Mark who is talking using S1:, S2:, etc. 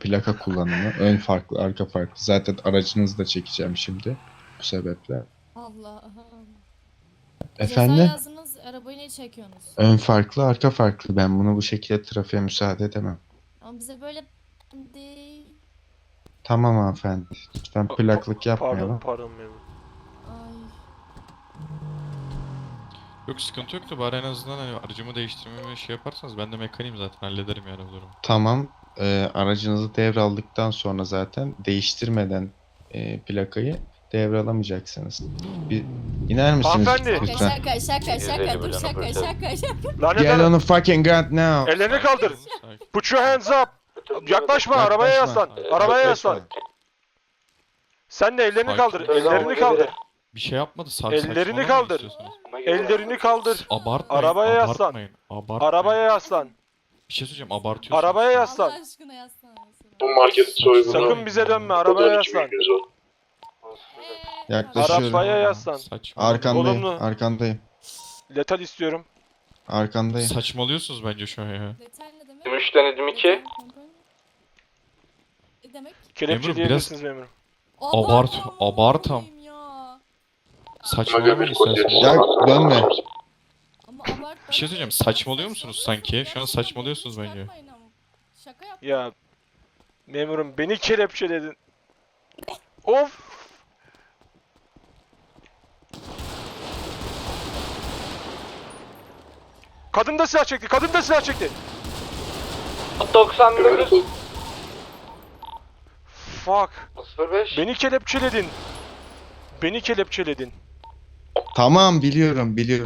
S1: plaka kullanımı. Ön farklı, arka farklı. Zaten aracınızı da çekeceğim şimdi. Bu sebeple.
S2: Allah'ım. Ceza
S1: Efendim?
S2: yazdınız, arabayı niye çekiyorsunuz?
S1: Ön farklı, arka farklı. Ben bunu bu şekilde trafiğe müsaade edemem.
S2: Ama bize böyle değil.
S1: Tamam hanımefendi. Lütfen plaklık yapmayalım.
S3: Pardon memur.
S2: Ay.
S4: Yok sıkıntı yok da bari en azından hani aracımı değiştirmemi şey yaparsanız ben de mekaniğim zaten hallederim yani bu durumu.
S1: Tamam. Aracınızı devraldıktan sonra zaten değiştirmeden plakayı devralamayacaksınız. Bir iner misiniz
S3: Hanımefendi.
S1: lütfen?
S2: Şaka dur şaka.
S3: Lanet
S1: Get on
S3: hanım.
S1: the fucking ground now.
S3: Ellerini kaldır.
S4: Sakin.
S3: Put your hands up. Yaklaşma, arabaya yaslan. Arabaya yaslan. Sen de ellerini kaldır.
S4: Sakin.
S3: Ellerini kaldır.
S4: Bir şey yapmadı
S3: Ellerini
S4: saçmalamayın
S3: kaldır.
S4: istiyorsanız.
S3: Ellerini kaldır.
S4: Abartmayın.
S3: Arabaya yaslan.
S4: Abartmayın. Abartmayın.
S3: Arabaya yaslan.
S4: Bir şey söyleyeceğim abartıyorsunuz.
S3: Arabaya
S2: Allah
S3: yaslan.
S2: aşkına yazsana.
S5: Bu market soygunu.
S3: Sakın bize dönme, arabaya yaslan.
S1: Yaklaşıyorum.
S3: Arabaya yaslan.
S1: Arkandayım.
S3: Olumlu.
S1: Arkandayım.
S3: Letal istiyorum.
S1: Arkandayım.
S4: Saçmalıyorsunuz bence şu an ya.
S2: Detay ne demek?
S5: 3 denedim 2.
S2: Ne demek?
S3: Kelepçe
S4: Memur,
S3: diyebilirsiniz memurum.
S4: Abart-
S2: Abartma,
S4: abartam.
S2: abartmayayım ya.
S4: Saçmalamayın isterseniz.
S1: Ya dönme.
S2: Ama abart.
S4: Bir şey söyleyeceğim saçmalıyor musunuz sanki? Şu an saçmalıyorsunuz bence.
S2: Yapmayın ama. Şaka yap.
S3: Ya memurum beni kelepçeledin. Of. Kadın da silah çekti. Kadın da silah çekti.
S5: 99
S3: Fuck.
S5: 05.
S3: Beni kelepçeledin. Beni kelepçeledin.
S1: Tamam biliyorum biliyorum.